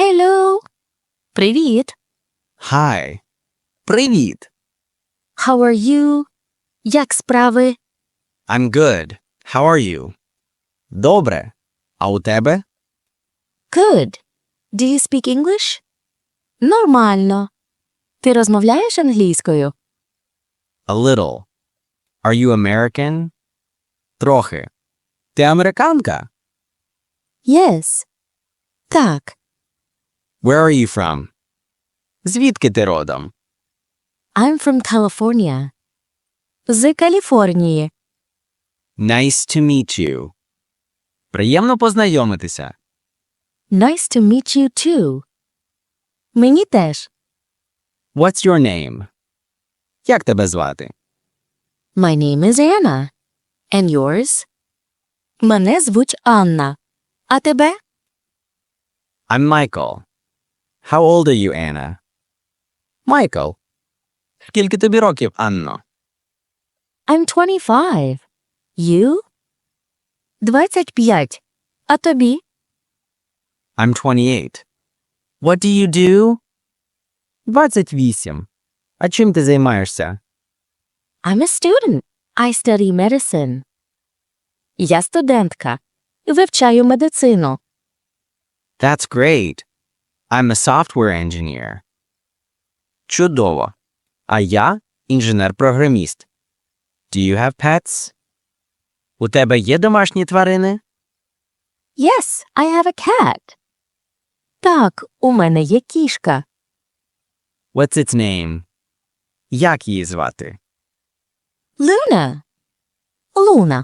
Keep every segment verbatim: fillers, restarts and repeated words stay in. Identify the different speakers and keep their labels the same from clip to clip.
Speaker 1: Hello! Привіт!
Speaker 2: Hi. Привіт.
Speaker 1: How are you? Як справи?
Speaker 2: I'm good. How are you? Добре. А у тебе?
Speaker 1: Good. Do you speak English? Нормально. Ти розмовляєш англійською?
Speaker 2: A little. Are you American? Трохи. Ти американка?
Speaker 1: Yes. Так.
Speaker 2: Where are you from? Звідки ти родом?
Speaker 1: I'm from California. З Каліфорнії.
Speaker 2: Nice to meet you. Приємно познайомитися.
Speaker 1: Nice to meet you too. Мені теж.
Speaker 2: What's your name? Як тебе звати?
Speaker 1: My name is Anna. And yours? Мене звуть Анна. А тебе?
Speaker 2: I'm Michael. How old are you, Anna? Michael. Скільки тобі років, Анно?
Speaker 1: I'm twenty-five. You? двадцять п'ять. А тобі?
Speaker 2: I'm twenty-eight. What do you do? двадцять вісім. А чим ти займаєшся?
Speaker 1: I'm a student. I study medicine. Я студентка. Вивчаю медицину.
Speaker 2: That's great. I'm a software engineer. Чудово. А я інженер-програміст. Do you have pets? У тебе є домашні тварини?
Speaker 1: Yes, I have a cat. Так, у мене є кішка.
Speaker 2: What's its name? Як її звати?
Speaker 1: Luna. Луна.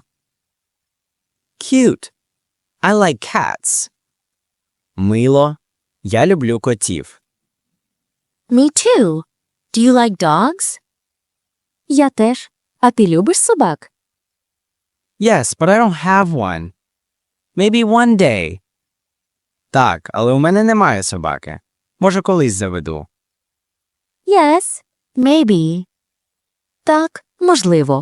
Speaker 2: Cute. I like cats. Мило. Я люблю котів.
Speaker 1: Me too. Do you like dogs? Я теж. А ти любиш собак?
Speaker 2: Yes, but I don't have one. Maybe one day. Так, але у мене немає собаки. Може, колись заведу.
Speaker 1: Yes, maybe. Так, можливо.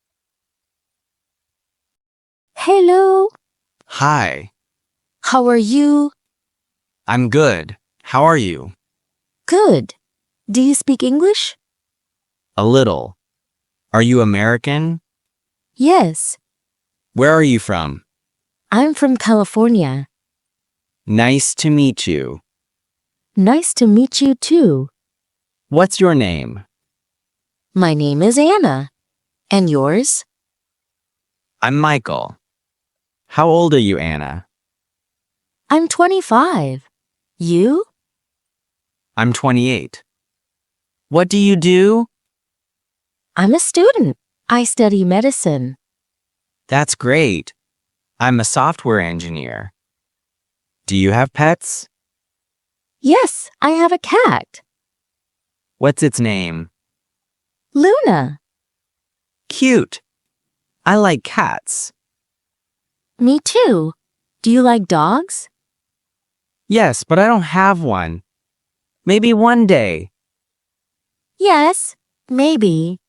Speaker 1: Hello.
Speaker 2: Hi.
Speaker 1: How are you?
Speaker 2: I'm good. How are you?
Speaker 1: Good. Do you speak English?
Speaker 2: A little. Are you American?
Speaker 1: Yes.
Speaker 2: Where are you from?
Speaker 1: I'm from California.
Speaker 2: Nice to meet you.
Speaker 1: Nice to meet you too.
Speaker 2: What's your name?
Speaker 1: My name is Anna. And yours?
Speaker 2: I'm Michael. How old are you, Anna?
Speaker 1: I'm twenty-five. You?
Speaker 2: I'm twenty-eight. What do you do?
Speaker 1: I'm a student. I study medicine.
Speaker 2: That's great. I'm a software engineer. Do you have pets?
Speaker 1: Yes, I have a cat.
Speaker 2: What's its name?
Speaker 1: Luna.
Speaker 2: Cute. I like cats.
Speaker 1: Me too. Do you like dogs?
Speaker 2: Yes, but I don't have one. Maybe one day.
Speaker 1: Yes, maybe.